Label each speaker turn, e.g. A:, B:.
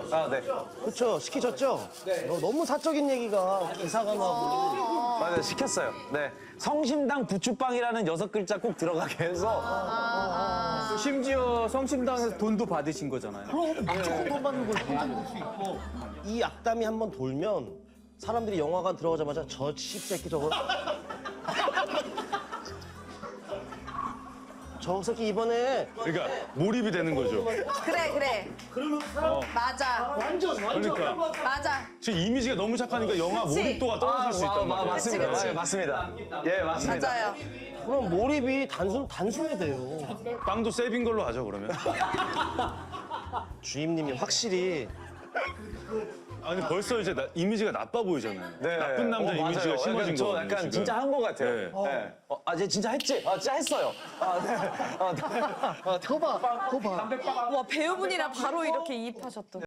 A: 아, 네.
B: 그렇죠. 시키셨죠? 너무 사적인 얘기가 기사가 나고.
A: 맞아요. 시켰어요. 네. 성심당 부추빵이라는 6글자 꼭 들어가게 해서.
C: 심지어 성심당에서 돈도 받으신 거잖아요.
B: 무조건 돈 받는 걸 혼자 수 있고. 이 악담이 한번 돌면 사람들이 영화관 들어가자마자 저 씹새끼 저거. 저 새끼 이번에
D: 그러니까 몰입이 되는 거죠.
E: 그래.
B: 그러면
E: 맞아.
D: 그러니까
E: 맞아.
D: 지금 이미지가 너무 착하니까 영화
E: 그치?
D: 몰입도가 떨어질 수 있단 말이야.
A: 맞습니다.
E: 그치.
A: 네, 맞습니다. 예, 맞습니다.
E: 맞아요.
B: 그럼 몰입이 단순해돼요.
D: 빵도 세빈 걸로 하죠 그러면.
B: 주임님이 확실히
D: 아니 벌써 이제 이미지가 나빠 보이잖아요.
A: 네.
D: 나쁜 남자 이미지가
A: 맞아요.
D: 심어진
A: 저
D: 거거든요.
A: 약간
D: 지금.
A: 진짜 한 것 같아요.
D: 네.
A: 네. 쟤 진짜 했지? 진짜 했어요. 네.
E: 와 배우분이라 바로 이렇게 이입하셨던.